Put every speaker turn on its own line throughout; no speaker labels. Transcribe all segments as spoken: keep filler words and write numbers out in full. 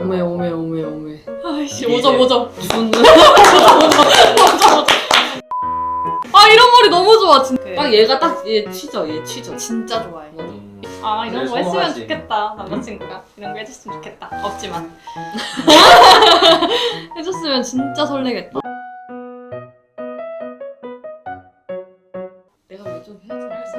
오메 오메 오메 오메.
아이씨 오점 오점.
무슨
오점 오점. 아 이런 머리 너무 좋아 진짜.
딱 얘가 딱 얘 치죠 얘 치죠.
진짜 좋아해.
음.
아 이런
그래,
거 했으면
성공하지.
좋겠다 남자친구가 이런 거 해줬으면 좋겠다. 없지만 해줬으면 진짜 설레겠다.
내가 왜 좀 해야지.
알겠어.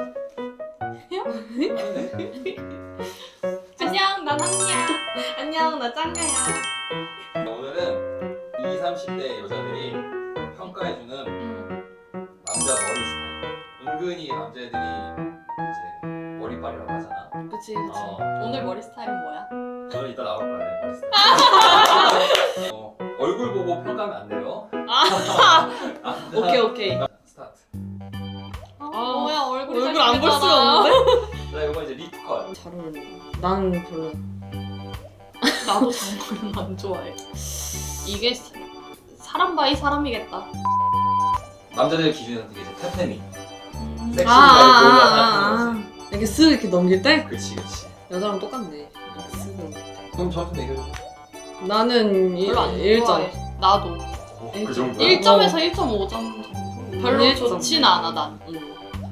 아니네.
안녕 난 한이야. 안녕 나 짱가야.
오늘은 이십, 삼십 대 여자들이 평가해주는
음.
남자 머리 스타일. 은근히 남자애들이 이제 머리빨이라고 하잖아.
그치 그치.
어,
오늘 머리 스타일은 뭐야?
저는 이따 나올 거야 내 머리 스타일. 어, 얼굴 보고 평가하면 안 돼요.
아
오케이 오케이.
스타트.
어,
아,
뭐야 얼굴이
얼굴 안 볼 수가
잘생겼잖아.
없는데?
자 이거 이제 리프 컷.
잘 어울린다. 나는 별로.
나도 장머리는 안 좋아해. 이게 사- 사람 바이 사람이겠다.
남자들 기준에는 되게 이제 태페미.
음.
섹시
아,
바이 보이가
아,
나타나는
아. 이렇게 쓱 이렇게 넘길 때
그치 그치.
여자랑 똑같네. 이렇게 쓱 넘길 때.
그럼 점수 매겨줘.
나는 일,
별로 안
일 점.
좋아해. 나도
어,
일
그
점.
정도야?
일 점에서 일 점 오 점 정도. 별로
일 점.
좋진 않아 난.
응.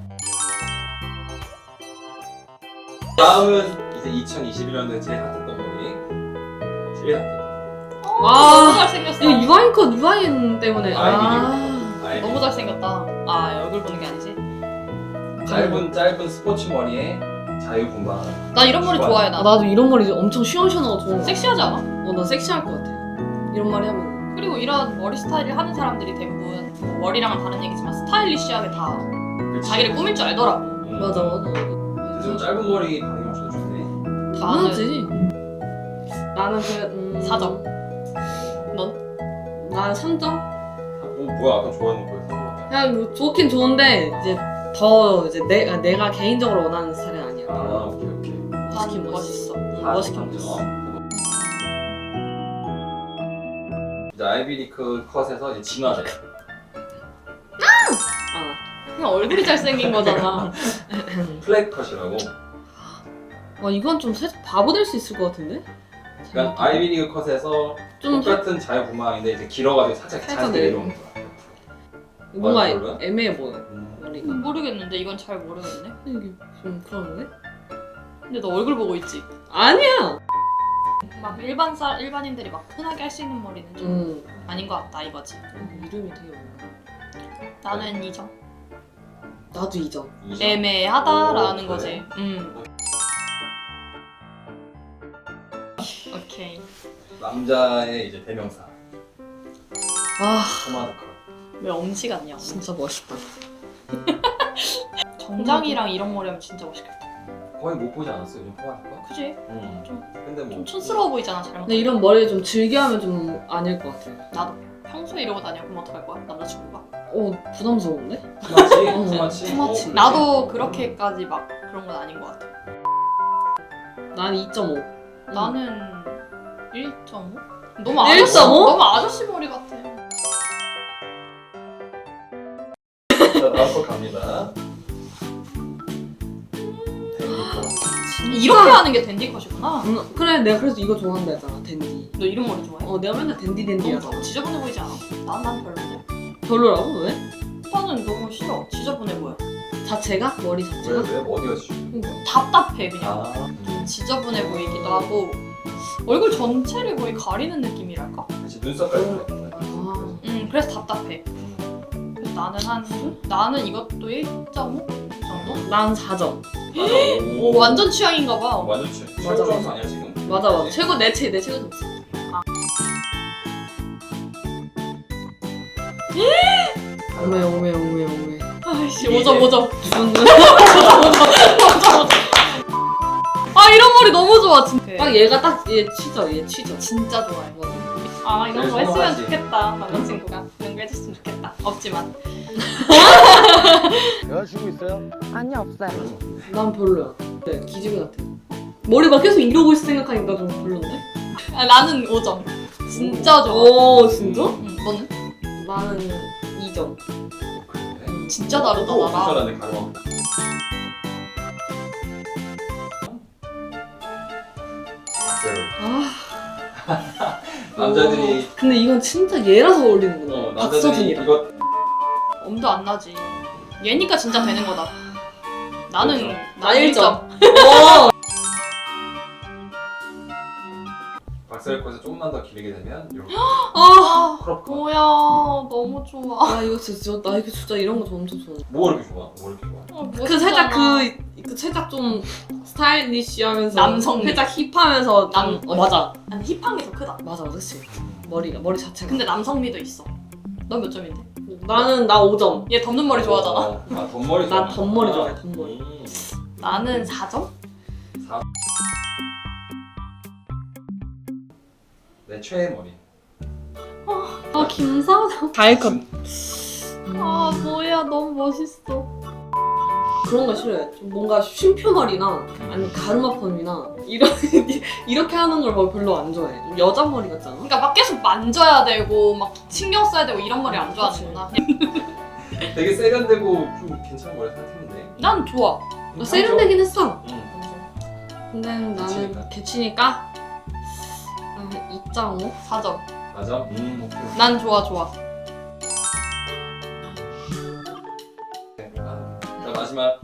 다음은 이제 이천이십일 년도에 제일 핫했던 머리. 제일 핫했던
어,
아,
너무 잘생겼어.
이거 유아인 컷 유아인 때문에. 아.
머리.
너무 잘생겼다. 아 얼굴 보는 게 아니지?
짧은 짧은 스포츠 머리에 자유분방.
나 이런 머리
좋아해.
좋아해
아,
나.
나도 이런 머리 엄청 시원시원하고 좋은 거.
섹시하지 않아?
어, 나 섹시할 것 같아. 이런 머리 하면.
그리고 이런 머리 스타일을 하는 사람들이 대부분 뭐 머리랑은 다른 얘기지만 스타일리시하게 다
그치.
자기를 꾸밀 줄 알더라고.
음.
맞아 맞아.
요즘 짧은 머리 반응이 없어도 좋네.
당연하지. 나는 그 음...
사 점. 넌?
나는 삼 점.
어 뭐야 아까 좋아하는 거였어?
그냥 뭐 좋긴 좋은데 이제 더 이제 내, 아, 내가 개인적으로 원하는 스타일은 아니야.
아 오케이 오케이.
멋있긴
난
멋있어. 응,
다
멋있긴
삼 점.
멋있어.
이제 아이비리크 컷에서 이제 진화돼.
아.
그냥 얼굴이 잘생긴 거잖아.
플랫 컷이라고.
와 이건 좀 살짝 바보 될 수 있을 것 같은데?
그러니까 아이비리크 컷에서
좀
똑같은 자유분방인데 이제 길어가지고 살짝
살짝
자연스럽게 내려오는 거야.
뭔가
아, 별로야?
애매해 보여.
음.
머리가.
모르겠는데 이건 잘 모르겠네.
이게 좀 그러는데?
근데 너 얼굴 보고 있지?
아니야.
막 일반 사 일반인들이 막 흔하게 할 수 있는 머리는 좀
음.
아닌 것 같다 이거지.
이름이 되게 어려워.
나는 이 점.
나도 이 점.
이 점?
애매하다라는
오,
거지.
그래?
음. 오케이.
남자의 이제 대명사
아
포마드 컷.
왜 엄지 같냐?
진짜 멋있다.
정장이랑 이런 머리 하면 진짜 멋있겠다.
거의 못 보지 않았어 요즘 포마드 컷?
그지?
응.
좀-
근데 뭐
좀 촌스러워 보이잖아 잘못.
근데 이런 머리 좀 즐겨하면 좀 아닐 것 같아.
나도 평소에 이러고 다녀. 그럼 어떡할 거야? 남자친구가?
어 부담스러운데?
투마치?
어,
투마치?
투마치.
어,
나도 그렇게까지 막 그런 건 아닌 것 같아.
난 이 점 오.
나는 일 점 오? 너무
일
아저씨,
점 오?
너무 아저씨 머리 같아.
자 다음 거 갑니다. 데미컷.
이렇게 하는 게 댄디 컷이구나.
음, 그래 내가 그래서 이거 좋아한다 했잖아 댄디.
너 이런 머리 좋아해?
어 내가 맨날 댄디 댄디라서.
너무 지저분해 보이지 않아? 난, 난 별로인데.
별로라고 왜?
나는 너무 싫어. 지저분해 보여.
자체가? 머리
왜
자체가?
왜? 어디가 지금?
답답해 그냥.
아
좀 지저분해 보이기도 하고 얼굴 전체를 거의 가리는 느낌이랄까?
그치 눈썹까지 보여.
아
음 그래서 답답해. 그래서 나는 한 나는 이것도 일 점 오 정도?
난 사 점.
오 완전 취향인가 봐.
완전 취.
맞아,
최고 점수
맞아.
아니야 지금?
맞아 맞아.
그치?
최고 내 최, 내 최고 점수. 오메 오메 오메 오메.
아이씨
이게
오 점 오 점.
무슨
아 이런 머리 너무 좋아 진짜.
딱 얘가 딱 얘 치죠 얘 치죠.
진짜 좋아해.
맞아.
아 이런
제일
거 했으면
성공하지.
좋겠다 남자친구가. 이런 거 해줬으면 좋겠다. 없지만.
여자친구 있어요?
아니 없어요.
난 별로야. 네 기지개 같아. 머리 막 계속 이러고 있을 생각하니까 좀 별론데?
아, 나는 오 점. 진짜 좋아.
오 진짜?
응, 너는?
나는 이 점.
그래?
진짜 다르다
또
나랑.
불편하네 가로.
아
남자들이
근데 이건 진짜 얘라서
어,
어울리는구나.
남자들이
박서준이랑.
이거
엄도 안 나지. 얘니까 진짜 되는 거다. 나는
그렇죠.
나
나 일 점.
일 점.
어.
박살 거에서 조금만 더 길게 되면 이렇게
아,
크롭 컷.
뭐야 너무 좋아.
아 이거 진짜 나 이거 진짜 이런 거 엄청 좋아.
뭐가 이렇게 좋아? 뭐 이렇게 좋아?
어,
그 살짝
멋있잖아.
그, 그 살짝 좀 스타일리시하면서
남성
살짝 힙하면서
남-
좀- 어 맞아
아니 힙한 게 더 크다.
맞아 그치 머리가 머리 자체가.
근데 남성미도 있어. 넌 몇 점인데?
나는 나 오 점.
얘 덮는 머리 좋아하잖아.
어, 아 덧머리 좋아.
난 덧머리 좋아해, 덧머리.
음.
나는 사 점?
사. 내 최애 머리.
아 김사장. 다이컷.
아 뭐야 너무 멋있어.
그런 거 싫어해. 좀 뭔가 쉼표머리나 아니면 가르마펌이나 이런 이렇게 하는 걸 별로 안 좋아해. 좀 여자 머리 같잖아.
그러니까 막 계속 만져야 되고 막 신경 써야 되고 이런 머리 안 좋아하는구나.
되게 세련되고 좀 괜찮은 머리 생각했는데.
난 좋아.
나 세련되긴 했어.
응.
근데 나는
개치니까.
개치니까 한 이 점 오?
사 점.
맞아? 음, 오케이.
난 좋아 좋아.
아, 자 마지막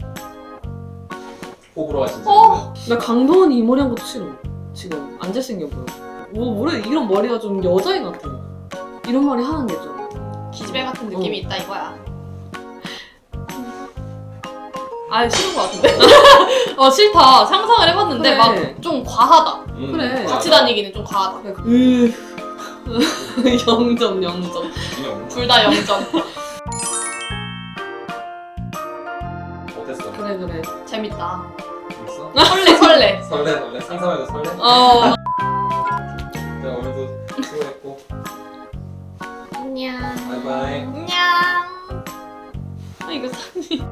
호불호가 진짜.
어?
나 강동원이 이 머리 한 것도 싫어. 지금 안 잘생겨 보여. 뭐 뭐래 이런 머리가 좀 여자애 같아. 이런 머리 하는 게 좀.
기집애 같은 느낌이
어.
있다 이거야. 아 싫은 거 같은데? 어 싫다. 상상을 해봤는데
그래.
막 좀 과하다.
음,
그래.
맞아.
같이 다니기는 좀 과하다.
으 영 점 영 점.
그냥
둘 다 영 점.
어땠어?
그래 그래.
재밌다.
재밌어?
설레 설레.
설레 설레 상상해도 설레?
어.
자 오늘도 수고했고
안녕.
바이바이.
안녕. 아 이거 사진.